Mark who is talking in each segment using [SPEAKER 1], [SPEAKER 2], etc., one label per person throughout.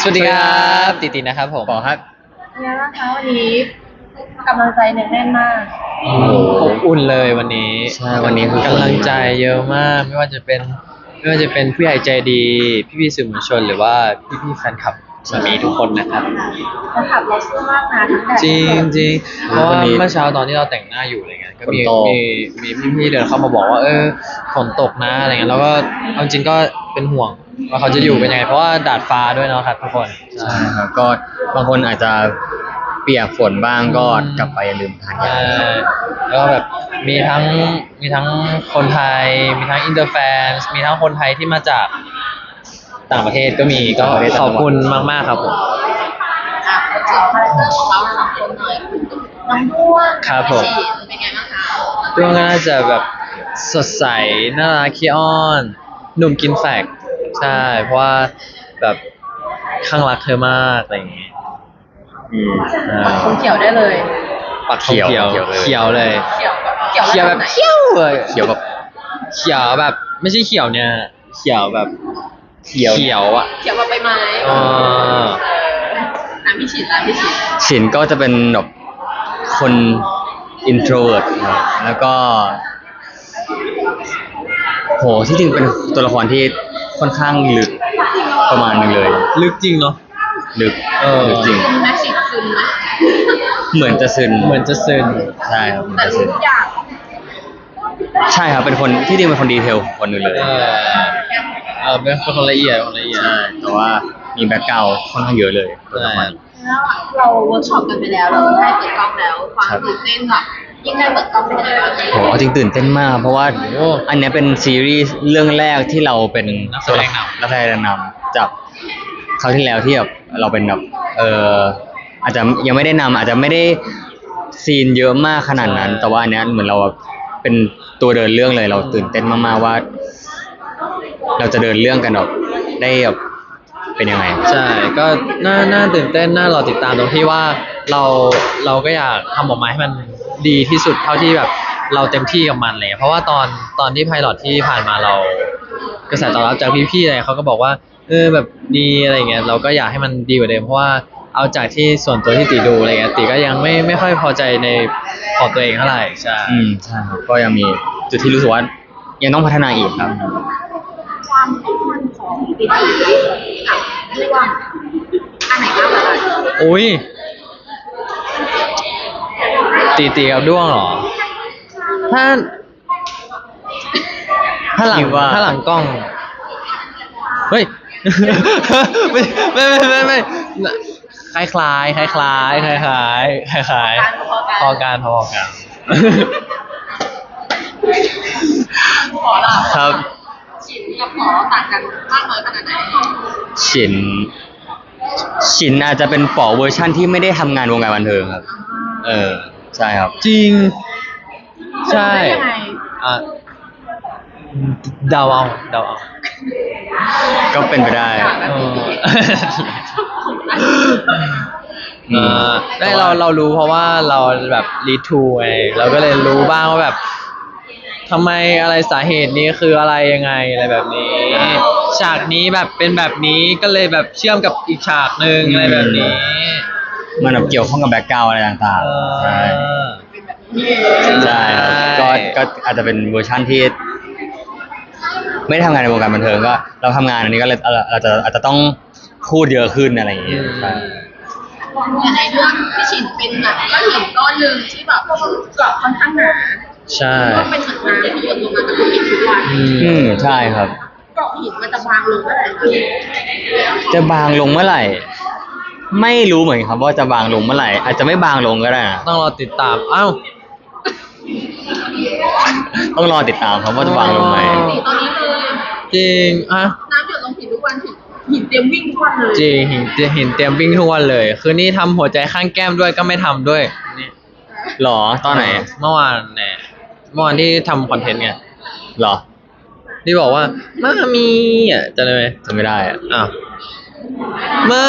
[SPEAKER 1] สวัสดีครับติตินะครับผม
[SPEAKER 2] ปอครับ
[SPEAKER 3] เป็นไงบ้างคะวันนี้กำลังใจแน่นมาก
[SPEAKER 1] โอ้โหอบอุ่นเลยวันนี้
[SPEAKER 2] ใช่วันนี้คือก
[SPEAKER 1] ำลังใจเยอะมากไม่ว่าจะเป็นผู้ใหญ่ใจดีพี่ๆสื่อมวลชนหรือว่าพี่ๆแฟนคลับสามีทุกคนนะครับ
[SPEAKER 3] แล้วขับเราสู้มากนะทั้งแต่
[SPEAKER 1] จริงจริงเพราะว่า
[SPEAKER 2] วันนี้
[SPEAKER 1] เมื่อเช้าตอนที่เราแต่งหน้าอยู่อะไรเงี้ยก็มี
[SPEAKER 2] ฝนตก
[SPEAKER 1] มีพี่ๆเดินเข้ามาบอกว่าฝนตกนะอะไรเงี้ยแล้วก็เอาจริงก็เป็นห่วงว่าเขาจะอยู่เป็นยังไงเพราะว่าดาดฟ้าด้วยเนาะครับทุกคน
[SPEAKER 2] ใช่ครับก็บางคนอาจจะเปียกฝนบ้างก็กลับไปอย่าลืมทานยา
[SPEAKER 1] แล้วก็แบบมีทั้งคนไทยมีทั้งอินเตอร์แฟนมีทั้งคนไทยที่มาจากต่างประเทศก็มีก็ขอบคุณมากๆครับผม
[SPEAKER 3] ขอคาแรคเตอร์ของเราสองคนหน่อยน้องด้วง
[SPEAKER 1] ครับผม
[SPEAKER 3] เป็นไงบ้างคะ
[SPEAKER 1] ด้วงก็น่าจะแบบสดใสน่ารักขี้อ้อนหนุ่มกินแฟกใช่เพราะว่าแบบข้างรักเธอมากอะไรอย่างงี้
[SPEAKER 3] ปักธงเขียวได้เลย
[SPEAKER 1] ปักธงเขียวเขียวเลย
[SPEAKER 3] เขียวแบบ
[SPEAKER 1] เขียวแบบ
[SPEAKER 3] ไหน
[SPEAKER 1] เขียวเลย
[SPEAKER 2] เขียวแบบ
[SPEAKER 1] เขียวแบบไม่ใช่เขียวเนี่ยเขียวแบบเขียวอ่ะ
[SPEAKER 3] เขียวแบบใบไม้
[SPEAKER 1] อ๋อ
[SPEAKER 3] พี่ฉีดพี่ฉีด
[SPEAKER 2] ฉินก็จะเป็นแบบคนอินโทรเวิร์ตแล้วก็โหที่จริงเป็นตัวละครที่ค่อนข้างลึกประมาณนึงเลย
[SPEAKER 1] ลึกจริงเนาะ
[SPEAKER 2] ลึกลึกจริง
[SPEAKER 3] ซึมนะฉีดซึมนะ
[SPEAKER 2] เหมือนจะซึน
[SPEAKER 1] เหมือนจะซึน
[SPEAKER 2] ใช่ครับเหมือน
[SPEAKER 3] แต่
[SPEAKER 2] จะ
[SPEAKER 3] รู้
[SPEAKER 2] ซึน
[SPEAKER 3] ทุกอย่าง
[SPEAKER 2] ใช่ครับเป็นคนที่จริงเป็นคนดีเทลคนหนึ่งเลย
[SPEAKER 1] เป็นคนละเอียดคนละเอียด
[SPEAKER 2] ใช่แต่ว่ามีแบ็คกราวด์ค่อนข้างเยอะเลยตัวละคร
[SPEAKER 3] แล้วเราเวิร์กช็อปกันไปแล้วเราได้เปิดกล้องแล้วความตื่นเต้นแบบยิ่งได้เปิดกล้องเป็นยังไงบ้าง
[SPEAKER 2] โหเอาจริงตื่นเต้นมาก เพราะว่าอันเนี้ยเป็นซีรีส์เรื่องแรกที่เราเป็นนักแสดงนำจากคราวที่แล้วที่แบบเราเป็นแบบอาจจะยังไม่ได้นำอาจจะไม่ได้ซีนเยอะมากขนาดนั้น แต่ว่าอันเนี้ยเหมือนเราเป็นตัวเดินเรื่องเลยเราตื่นเต้นมากๆว่า เราจะเดินเรื่องกันแบบได้แบบเป็นยังไง
[SPEAKER 1] ใช่ก็น่าตื่นเต้นน่ารอติดตามตรงที่ว่าเราก็อยากทำออกมาให้มันดีที่สุดเท่าที่แบบเราเต็มที่กับมันเลยเพราะว่าตอนที่ไพลอตที่ผ่านมาเรากระแสตอบรับจากพี่ๆอะไรเขาก็บอกว่าแบบดีอะไรเงี้ยเราก็อยากให้มันดีกว่าเดิมเพราะว่าเอาจากที่ส่วนตัวที่ติดูอะไรเงี้ยติก็ยังไม่ค่อยพอใจในของตัวเองเท่าไหร่ใช่
[SPEAKER 2] ใช่ครับก็ยังมีจุดที่รู้สึกว่ายังต้องพัฒนาอีกครับ
[SPEAKER 3] ความเข้มข้นของปีติกับด้วงอันไหนมากกว่ากัน
[SPEAKER 1] อุ้ยตีกับด้วงเหรอถ้าหลัง
[SPEAKER 2] คิดว่า
[SPEAKER 1] ถ้าหลังกล้องเฮ้ย ไม่คล้ายๆพอกัน
[SPEAKER 3] ขอละ
[SPEAKER 2] ครับ
[SPEAKER 3] ฉินกับขอต่างกันมากน้อยขนาดไหน
[SPEAKER 2] ฉินอาจจะเป็นป๋อเวอร์ชั่นที่ไม่ได้ทำงานวงการบันเทิงครับ ใช่ครับ
[SPEAKER 1] จริง ใช่
[SPEAKER 3] ได้ยังไง
[SPEAKER 1] อ่ะเดาเอา
[SPEAKER 2] ก็เป็นไปได้
[SPEAKER 1] ได้เรารู้เพราะว่าเราแบบรีทูไงเราก็เลยรู้บ้างว่าแบบทำไมอะไรสาเหตุนี้คืออะไรยังไงอะไรแบบนี้ ฉากนี้แบบเป็นแบบนี้ก็เลยแบบเชื่อมกับอีกฉากหนึ่งอะไรแบบนี้
[SPEAKER 2] มันแบบเกี่ยวข้องกับแบ็คกราวด์อะไรต่างๆใช่ใช่ครับก็อาจจะเป็นเวอร์ชั่นที่ ไม่ได้ทำงานในวงการบันเทิงก็เราทำงานอันนี้ก็เลยอาจจะต้องพูดเยอะขึ้นอะไรอย่างเงี้ยใช่
[SPEAKER 3] ในเรื่องพี่ฉินเป็นแบบก้อนหินก้อนหนึ่งที่แบบเกาะค่อนข้างหนา
[SPEAKER 1] ใช่
[SPEAKER 3] ก็เป็นเหมือนน้ำที่หยดลงมากับหินทุกวัน
[SPEAKER 2] ใช่ครับ
[SPEAKER 3] เกาะหินมันจะบางลงเมื่อไหร่
[SPEAKER 2] จะบางลงเมื่อไหร่ ไม่รู้เหมือนกันครับว่าจะบางลงเมื่อไหร่ อาจจะไม่บางลงก็ได้นะ
[SPEAKER 1] ต้องรอติดตามอ้าว
[SPEAKER 2] ต้องรอติดตามครับว่าจะบางลงไหม
[SPEAKER 3] สีตอนนี้เลย
[SPEAKER 1] จริงอ่ะ
[SPEAKER 3] น้ำหยดลงหินทุกวันหินเตรียมวิ่งทุกวันเลย
[SPEAKER 1] จริงเห็นเตรียมวิ่งทุกวันเลย คือนี่ทำหัวใจข้างแก้มด้วยก็ไม่ทำด้วยนี่
[SPEAKER 2] หรอตอนไหน
[SPEAKER 1] เมื่อวานเนี่ยเมื่อวานที่ทำคอนเทนต์ไง
[SPEAKER 2] หรอ
[SPEAKER 1] ที่บอกว่ามามีอ่ะจะได้ไหม
[SPEAKER 2] จำไม่ได้อะ
[SPEAKER 1] อ้าวไม่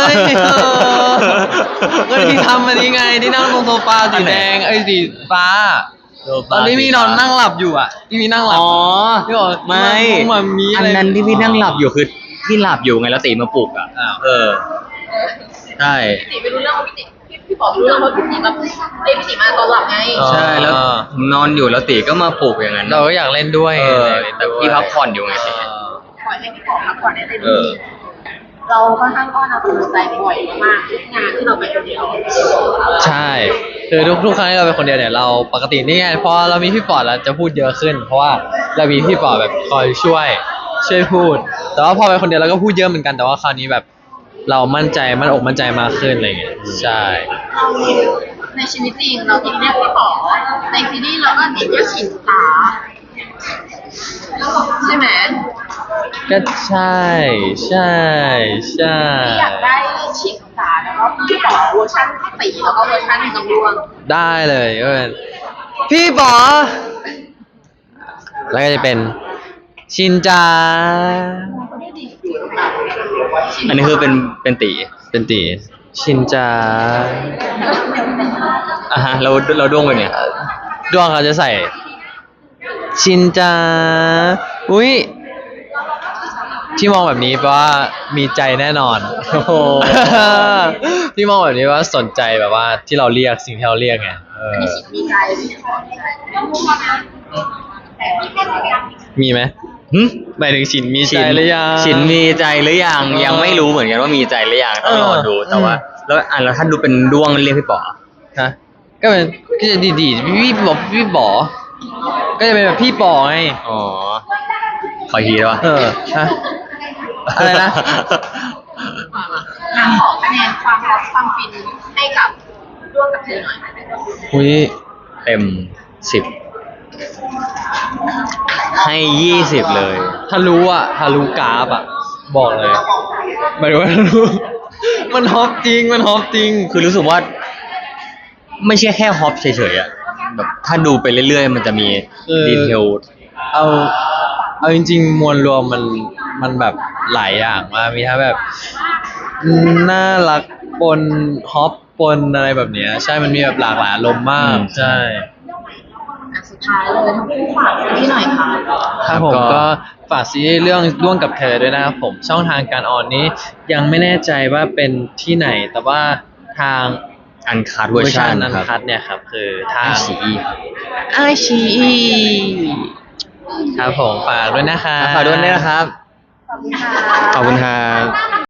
[SPEAKER 1] ก็ที่ทำอันนี้ไงที่นั่งตรงโซฟาสีแดงไอ้สีฟ้าตอนที่พี่นอนนั่งหลับอยู่อ่ะที่พี่นั่งหลับ
[SPEAKER 2] อ๋อ
[SPEAKER 1] ที่บอก
[SPEAKER 2] ไม่
[SPEAKER 1] มันมี
[SPEAKER 2] อั
[SPEAKER 1] อะ
[SPEAKER 2] น
[SPEAKER 1] ไร
[SPEAKER 2] นั้นที่พี่นั่งหลับอยู่คือที่หลับอยู่ไงแล้วตีมาปลุกอ่ะ
[SPEAKER 1] อ้าว
[SPEAKER 2] เออใช่
[SPEAKER 3] พี่ติไม่รู้เรื่องว่าพี่ติพี่ป๋อรู้เรื่องว่าพี่ติมาพี่ติมาตอนหลับไง
[SPEAKER 2] ใช่แล้วผมนอนอยู่แล้วตีก็มาปลุกอย่างนั้น
[SPEAKER 1] เราก็อยากเล่นด้วย
[SPEAKER 2] เออ
[SPEAKER 1] เล่น
[SPEAKER 2] แต่
[SPEAKER 1] ด้วย
[SPEAKER 2] พี่พักผ่อนอยู่ไงตี
[SPEAKER 3] ปล่อยให้พี่ป๋อพักผ่อนได้เต็มที่เราค่อนข้างอ้อนเอากำลังใจบ่อยมากทุกงานที่เราไปคนเดียว
[SPEAKER 1] ใช่คือทุกครั้งที่เราเป็นคนเดียวเนี่ยเราปกตินี่ไงพอเรามีพี่ปอดเราจะพูดเยอะขึ้น เพราะว่าเรามีพี่ปอดแบบคอยช่วยพูด แต่ว่าพอเป็นคนเดียวเราก็พูดเยอะเหมือนกันแต่ว่าคราวนี้แบบเรามั่นใจมั่นอกมั่นใจมากขึ้นอะไรเงี้ยใช่
[SPEAKER 3] เราในชีวิตจริงเราติดเรียกพี่ป๋อในซีรีส์เราก็ติดเรียกฉินตาใช่ไหม
[SPEAKER 1] ก็ใช่ใช่ใช่
[SPEAKER 3] ที่อยากได้ฉินตาแล้วก็พี่ป๋อเวอร์ชันตีแล้วก็เวอร์ชันกำลวง
[SPEAKER 1] ได้เลยก็เป็นพี่ปอแล้วก็จะเป็นชินจา
[SPEAKER 2] อันนี้คือเป็นตี
[SPEAKER 1] เป็นตีชินจา
[SPEAKER 2] อ่ะฮะเราด้วงไปเนี่ย
[SPEAKER 1] ดวงเขาจะใส่ ชินจาอุ้ยที่มองแบบนี้แปลว่ามีใจแน่นอน
[SPEAKER 2] โอ้โห
[SPEAKER 1] ที่มองแบบนี้ว่าสนใจแบบว่าที่เราเรียกสิ่งที่เราเรียกไง
[SPEAKER 3] อันนี้ฉินมีใจพี่ป๋อมีใจ
[SPEAKER 1] มีไหม
[SPEAKER 2] หึ
[SPEAKER 1] หมายถึงชินมีใจหรือยัง
[SPEAKER 2] ฉินมีใจหรือยัง
[SPEAKER 1] เออ
[SPEAKER 2] ยังไม่รู้เหมือนกันว่ามีใจหรือยังต้องรอดู
[SPEAKER 1] เออ
[SPEAKER 2] แต่ว่า แล้วถ้าดูเป็นด้วงเรียกพี่ป๋อ
[SPEAKER 1] ฮะก็เป็นก็จะดีพี่บอก็จะเป็นแบบพี่ปอไง
[SPEAKER 2] อ๋อขออีกทีได้ปะ
[SPEAKER 1] ฮะอะไรนะ
[SPEAKER 3] งานขอคะแนนความรักความฟินให้กับร่วมกับเธอหน่อย
[SPEAKER 1] อุ้ย
[SPEAKER 2] เต็ม10ให้20เลย
[SPEAKER 1] ถ้ารู้กราฟอ่ะ บอกเลยหมายถึงว่าถ้ารู้ มันฮอปจริงมันฮอปจริง
[SPEAKER 2] คือรู้สึกว่า ไม่ใช่แค่ฮอปเฉยๆอะแบบถ้าดูไปเรื่อยๆ มันจะมี
[SPEAKER 1] คือ
[SPEAKER 2] ดีเทล
[SPEAKER 1] เอาจริงๆมวลรวมมันแบบหลายอย่างมากมีทั้งแบบน่ารักปนฮอปปนอะไรแบบเนี้ยใช่มันมีแบบหลากหลายอารมณ์มากใช่
[SPEAKER 3] สุดท้ายเลยทั้งคู่ฝากที่หน่อยค่ะ
[SPEAKER 1] ครับผมก็ฝากซีรีส์เรื่องร่วงกับเธอด้วยนะครับผมช่องทางการออนนี้ยังไม่แน่ใจว่าเป็นที่ไหน แต่ว่าทาง
[SPEAKER 2] อันคัดเวอร์ชัน
[SPEAKER 1] อัน
[SPEAKER 2] ครับ
[SPEAKER 1] คัดเนี่ยครับคือทาง
[SPEAKER 2] ICE
[SPEAKER 1] ไอชีครับผมฝากด้วยนะครับ
[SPEAKER 2] ฝากด้วยนะครับ
[SPEAKER 3] ขอบคุณค่ะ
[SPEAKER 2] ขอบคุณครับ